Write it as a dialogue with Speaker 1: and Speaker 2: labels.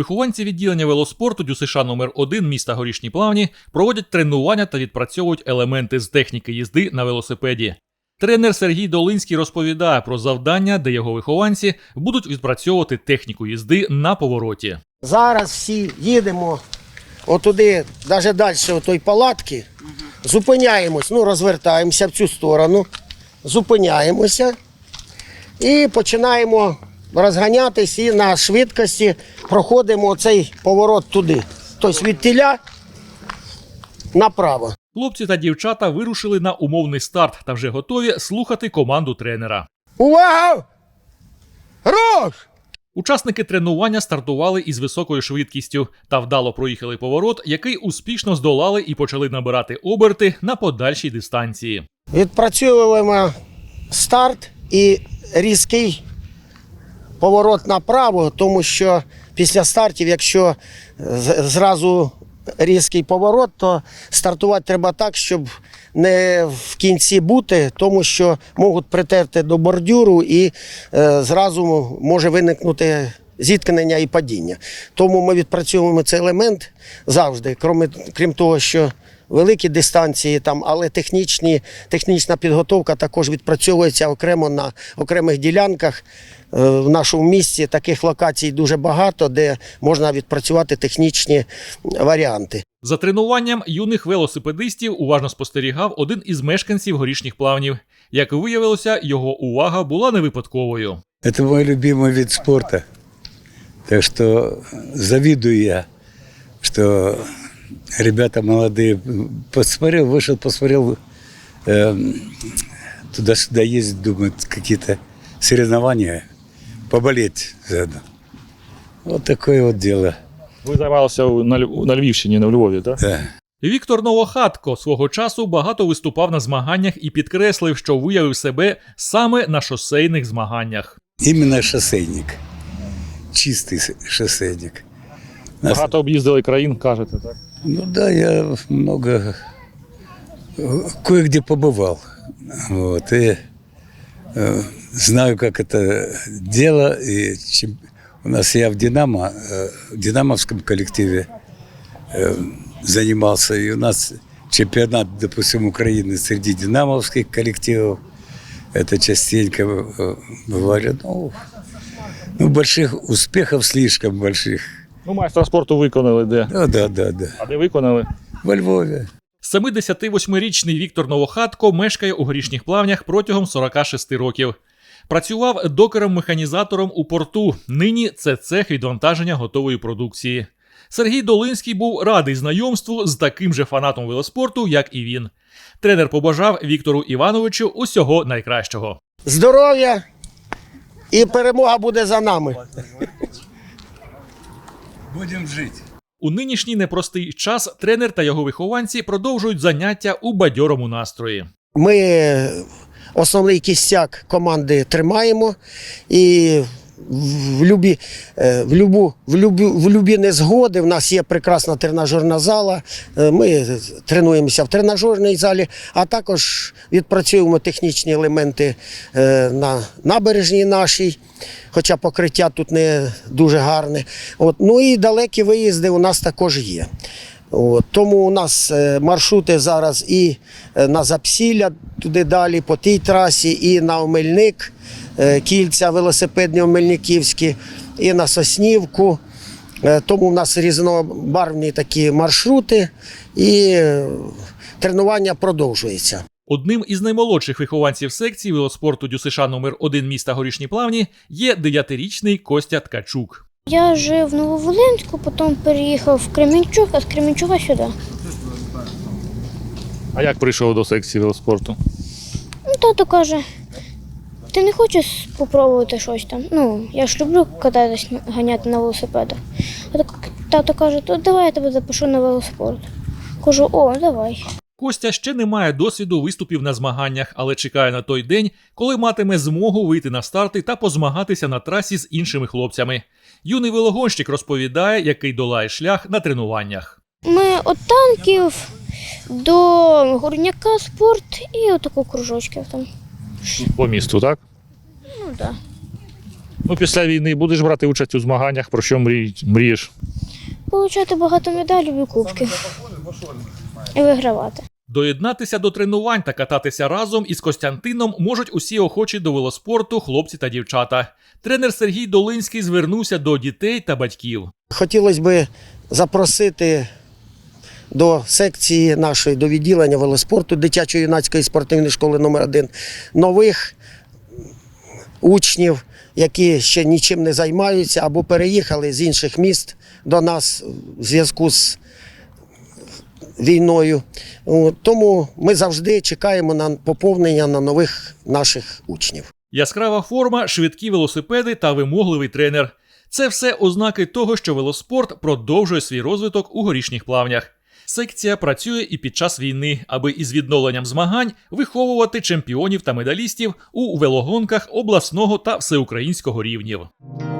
Speaker 1: Вихованці відділення велоспорту ДЮСШ номер 1 міста Горішні Плавні проводять тренування та відпрацьовують елементи з техніки їзди на велосипеді. Тренер Сергій Долинський розповідає про завдання, де його вихованці будуть відпрацьовувати техніку їзди на повороті.
Speaker 2: Зараз всі їдемо отуди, навіть далі отої палатки, зупиняємось, розвертаємося в цю сторону, зупиняємося і починаємо розганятись і на швидкості проходимо цей поворот туди. Тобто від тіля направо.
Speaker 1: Хлопці та дівчата вирушили на умовний старт та вже готові слухати команду тренера.
Speaker 2: Увага! Руш!
Speaker 1: Учасники тренування стартували із високою швидкістю та вдало проїхали поворот, який успішно здолали і почали набирати оберти на подальшій дистанції.
Speaker 2: Відпрацьовуємо старт і різкий поворот направо, тому що після стартів, якщо зразу різкий поворот, то стартувати треба так, щоб не в кінці бути, тому що можуть притерти до бордюру і зразу може виникнути зіткнення і падіння. Тому ми відпрацьовуємо цей елемент завжди, крім того, що великі дистанції, але технічна підготовка також відпрацьовується окремо на окремих ділянках. В нашому місті таких локацій дуже багато, де можна відпрацювати технічні варіанти.
Speaker 1: За тренуванням юних велосипедистів уважно спостерігав один із мешканців Горішніх Плавнів. Як виявилося, його увага була не випадковою.
Speaker 3: Це мій любимий вид спорту. Так що завидую я, що ребята молодые. Вышел, посмотрел, туда-сюда ездить, думают, какие-то соревнования, поболеть заодно. Вот такое вот дело.
Speaker 1: Ви займалися на Львівщині, на Львові, так?
Speaker 3: Да.
Speaker 1: Віктор Новохатко свого часу багато виступав на змаганнях і підкреслив, що виявив себе саме на шосейних змаганнях.
Speaker 3: Именно шоссейник. Чистий шоссейник.
Speaker 1: Багато об'їздили країн, кажете, так?
Speaker 3: Ну да, я много, кое-где побывал. Вот, и знаю, как это дело. И у нас я в динамовском коллективе занимался. И у нас чемпионат, допустим, Украины среди динамовских коллективов. Это частенько бывали. Ну, больших успехов слишком больших.
Speaker 1: Ну, майстра спорту виконали де?
Speaker 3: Да.
Speaker 1: А де виконали?
Speaker 3: Во Львові.
Speaker 1: 78-річний Віктор Новохатко мешкає у Горішніх Плавнях протягом 46 років. Працював докером-механізатором у порту. Нині це цех відвантаження готової продукції. Сергій Долинський був радий знайомству з таким же фанатом велоспорту, як і він. Тренер побажав Віктору Івановичу усього найкращого.
Speaker 2: Здоров'я і перемога буде за нами.
Speaker 3: Будемо жити.
Speaker 1: У нинішній непростий час тренер та його вихованці продовжують заняття у бадьорому настрої.
Speaker 2: Ми основний кістяк команди тримаємо і в любі незгоди в нас є прекрасна тренажерна зала. Ми тренуємося в тренажерній залі, а також відпрацюємо технічні елементи на набережній нашій, хоча покриття тут не дуже гарне. Ну і далекі виїзди у нас також є. Тому у нас маршрути зараз і на Запсілля, туди далі, по тій трасі, і на Омельник, кільця велосипедні омельниківські, і на Соснівку. Тому у нас різнобарвні такі маршрути, і тренування продовжується.
Speaker 1: Одним із наймолодших вихованців секції велоспорту ДЮСШ номер 1 міста Горішні Плавні є 9-річний Костя Ткачук.
Speaker 4: Я жив в Нововолинську, потім переїхав в Кременчуг, а з Кременчуга сюди.
Speaker 1: А як прийшов до секції велоспорту?
Speaker 4: Тато каже, ти не хочеш спробувати щось там? Я ж люблю кататись, ганяти на велосипедах. Тато каже, то давай я тебе запишу на велоспорт. Кажу, давай.
Speaker 1: Костя ще не має досвіду виступів на змаганнях, але чекає на той день, коли матиме змогу вийти на старти та позмагатися на трасі з іншими хлопцями. Юний велогонщик розповідає, який долає шлях на тренуваннях.
Speaker 4: Ми від танків до горняка спорт і отаку кружочків там.
Speaker 1: По місту, так?
Speaker 4: Так.
Speaker 1: Ну, після війни будеш брати участь у змаганнях, про що мрієш?
Speaker 4: Получати багато медалів і кубків. І вигравати.
Speaker 1: Доєднатися до тренувань та кататися разом із Костянтином можуть усі охочі до велоспорту хлопці та дівчата. Тренер Сергій Долинський звернувся до дітей та батьків.
Speaker 2: Хотілося б запросити до секції нашої, до відділення велоспорту дитячо-юнацької спортивної школи номер 1 нових учнів, які ще нічим не займаються або переїхали з інших міст до нас в зв'язку з війною. Тому ми завжди чекаємо на поповнення на нових наших учнів.
Speaker 1: Яскрава форма, швидкі велосипеди та вимогливий тренер. Це все ознаки того, що велоспорт продовжує свій розвиток у Горішніх Плавнях. Секція працює і під час війни, аби із відновленням змагань виховувати чемпіонів та медалістів у велогонках обласного та всеукраїнського рівнів.